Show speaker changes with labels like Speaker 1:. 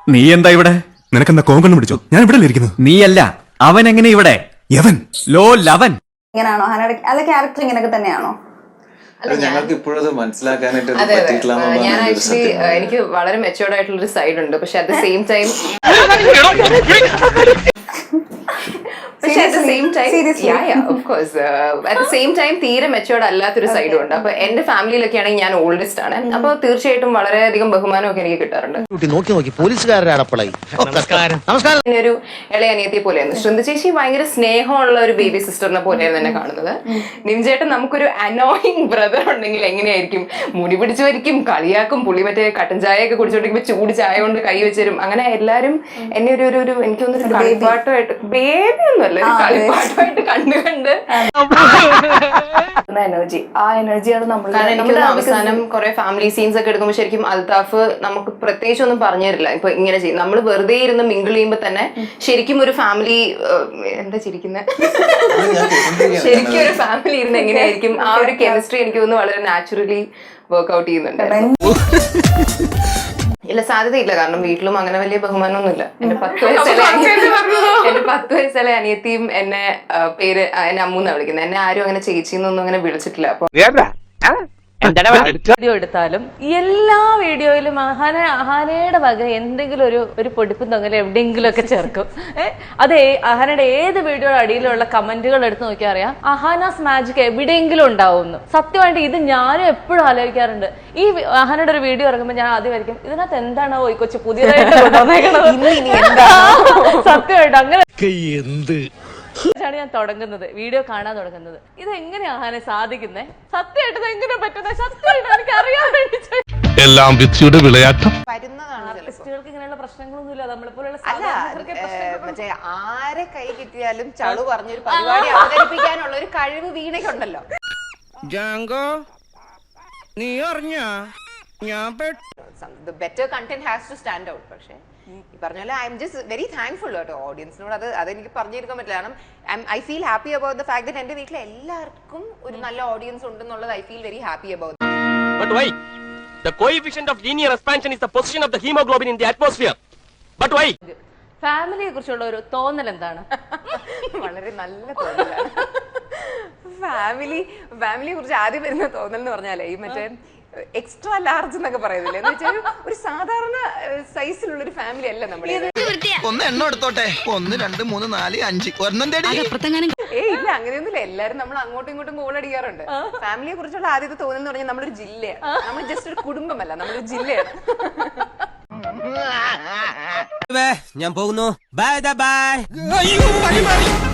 Speaker 1: നീ എന്താ ഇവിടെ?
Speaker 2: നിനക്കെന്താ കോങ്കണ്ണം പിടിച്ചോ? ഞാൻ ഇവിടെ ഇരിക്കുന്നു.
Speaker 1: നീയല്ല, അവൻ എങ്ങനെ ഇവിടെ?
Speaker 2: യവൻ
Speaker 1: ലോ ലവൻ.
Speaker 3: ഇങ്ങനെയാണോ ഹനയുടെ അല്ല ക്യാരക്ടർ ഇങ്ങനെയൊക്കെ തന്നെയാണോ?
Speaker 4: ഞങ്ങൾക്ക് ഇപ്പോഴത് മനസ്സിലാക്കാനായിട്ട്
Speaker 5: അതെ ഞാൻ
Speaker 4: പറ്റിയിട്ടില്ല.
Speaker 5: ആക്ച്വലി എനിക്ക് വളരെ മെച്ചുവേർഡ് ആയിട്ടുള്ള ഒരു സൈഡ് ഉണ്ട്. പക്ഷെ അറ്റ് ദ സെയിം ടൈം തീരെ മെച്ചുവേർഡ് അല്ലാത്തൊരു സൈഡും ഉണ്ട്. അപ്പൊ എന്റെ ഫാമിലിയിലൊക്കെ ആണെങ്കിൽ ഞാൻ ഓൾഡസ്റ്റ് ആണ്. അപ്പൊ തീർച്ചയായിട്ടും വളരെയധികം ബഹുമാനമൊക്കെ എനിക്ക് കിട്ടാറുണ്ട്. ഒരു ഇളയ അനിയത്തിയെ പോലെയായിരുന്നു. ശൃന്ദ ചേച്ചി ഭയങ്കര സ്നേഹമുള്ള ഒരു ബേബി സിസ്റ്ററിനെ പോലെയായിരുന്നു എന്നെ കാണുന്നത്. നിംചേട്ടൻ നമുക്കൊരു അനോയിങ് ബ്രദർ ഉണ്ടെങ്കിൽ എങ്ങനെയായിരിക്കും? മുടി പിടിച്ചു വരിക്കും, കളിയാക്കും, പുള്ളി മറ്റേ കട്ടൻ ചായ ഒക്കെ കുടിച്ചോണ്ടിരിക്കുമ്പോ ചൂട് ചായ കൊണ്ട് കൈ വെച്ചരും. അങ്ങനെ എല്ലാരും എന്നെ ഒരു എനിക്ക് തോന്നുന്നു കളിപ്പാട്ടമായിട്ട്, ബേബി ഒന്നുമല്ല, ഒരു കളിപ്പാട്ടമായിട്ട് കണ്ട് എനർജി, ആ എനർജിയാണ് നമ്മൾ. അവസാനം കുറെ ഫാമിലി സീൻസ് ഒക്കെ എടുക്കുമ്പോൾ ശരിക്കും അൽത്താഫ് നമുക്ക് പ്രത്യേകിച്ച് ഒന്നും പറഞ്ഞു തരില്ല. ഇപ്പൊ ഇങ്ങനെ ചെയ്യും, നമ്മൾ വെറുതെ ഇരുന്ന് മിങ്കിൾ ചെയ്യുമ്പോ തന്നെ ശരിക്കും ഒരു ഫാമിലി, എന്താ ചിരിക്കുന്നത്, ശരിക്കും ഒരു ഫാമിലി ഇരുന്ന് എങ്ങനെയായിരിക്കും ആ ഒരു കെമിസ്ട്രി എനിക്ക് തോന്നുന്നു വളരെ നാച്ചുറലി വർക്ക്ഔട്ട് ചെയ്യുന്നുണ്ട്. ഇല്ല, സാധ്യതയില്ല. കാരണം വീട്ടിലും അങ്ങനെ വലിയ ബഹുമാനമൊന്നുമില്ല. എന്റെ 10 വയസ്സുള്ള അനിയത്തിയും എന്നെ പേര് എന്നെ അമ്മൂന്നാ വിളിക്കുന്നത്. എന്നെ ആരും അങ്ങനെ ചേച്ചിന്നൊന്നും അങ്ങനെ വിളിച്ചിട്ടില്ല. അപ്പൊ
Speaker 6: വീഡിയോ എടുത്താലും എല്ലാ വീഡിയോയിലും അഹാനയുടെ വക എന്തെങ്കിലും ഒരു പൊടിപ്പും തൊങ്ങലും എവിടെയെങ്കിലും ഒക്കെ ചേർക്കും. അത് അഹാനയുടെ ഏത് വീഡിയോയുടെ അടിയിലുള്ള കമന്റുകൾ എടുത്ത് നോക്കിയാൽ അറിയാം അഹാനാസ് മാജിക് എവിടെയെങ്കിലും ഉണ്ടാവുമെന്ന്. സത്യമായിട്ട് ഇത് ഞാനും എപ്പോഴും ആലോചിക്കാറുണ്ട്. ഈ അഹാനയുടെ ഒരു വീഡിയോ ഇറങ്ങുമ്പോൾ ഞാൻ ആദ്യം വരയ്ക്കും ഇതിനകത്ത് എന്താണോ ഈ കൊച്ചു പുതിയതായിട്ട് സത്യമായിട്ട് അങ്ങനെ ഞാൻ തുടങ്ങുന്നത്, വീഡിയോ കാണാൻ തുടങ്ങുന്നത്. ഇത് എങ്ങനെയാ അഹാനെ സാധിക്കുന്നേ? സത്യമായിട്ട് ഇത് എങ്ങനെ പറ്റുന്നത്? സത്യമായിട്ട് എനിക്ക് അറിയാൻ വേണ്ടി
Speaker 7: എല്ലാം വിധിയുടെ വിളയാട്ടം.
Speaker 6: ആർട്ടിസ്റ്റുകൾക്ക് ഇങ്ങനെയുള്ള പ്രശ്നങ്ങളൊന്നുമില്ല. നമ്മളെപ്പോലുള്ള
Speaker 5: മറ്റേ ആരെ കൈ കിട്ടിയാലും ചളു പറഞ്ഞൊരു പരിപാടി അവതരിപ്പിക്കാനുള്ള ഒരു കഴിവ് വീണയ്ക്കുണ്ടല്ലോ.
Speaker 8: നീ അറിഞ്ഞാ
Speaker 5: The better content has to stand out. പക്ഷേ ഈ പറഞ്ഞ പോലെ I am just very thankful കേട്ടോ ഓഡിയൻസിനോട്. അതെനിക്ക് പറഞ്ഞിരിക്കാൻ പറ്റില്ല. കാരണം I feel happy about the fact that എന്റെ വീട്ടിൽ എല്ലാവർക്കും ഒരു നല്ല ഓഡിയൻസ് ഉണ്ടെന്നുള്ളത് I feel very happy about.
Speaker 7: But why? The coefficient of linear expansion is the position of the hemoglobin in the atmosphere. But why?
Speaker 6: ഫാമിലിയെ കുറിച്ചുള്ള ഒരു തോന്നൽ എന്താണ്?
Speaker 5: വളരെ നല്ല തോന്നലാണ്. ഫാമിലിയെ കുറിച്ച് ആദ്യം വരുന്ന തോന്നൽ എന്ന് പറഞ്ഞാലേ ഈ മറ്റേ എക്സ്ട്രാ ലാർജ് എന്നൊക്കെ പറയുന്നില്ലേ, എന്ന് വെച്ചാൽ ഒരു സാധാരണ സൈസിലുള്ള ഒരു ഫാമിലി അല്ല നമ്മൾ.
Speaker 8: ഒന്ന് എണ്ണം എടുത്തോട്ടെ, 1 2 3 4 5 ഒരെണ്ണം തേടി.
Speaker 5: ഇല്ല, അങ്ങനെയൊന്നുമില്ല. എല്ലാരും നമ്മൾ അങ്ങോട്ടും ഇങ്ങോട്ടും ഗോൾ അടിക്കാറുണ്ട്. ഫാമിലിയെ കുറിച്ചുള്ള ആദ്യത്തെ തോന്നൽ എന്ന് പറഞ്ഞാൽ നമ്മളൊരു ജില്ലയാണ്. നമ്മൾ ജസ്റ്റ് ഒരു കുടുംബമല്ല, നമ്മളൊരു ജില്ലയാണ്.
Speaker 8: ഞാൻ പോകുന്നു. Bye by.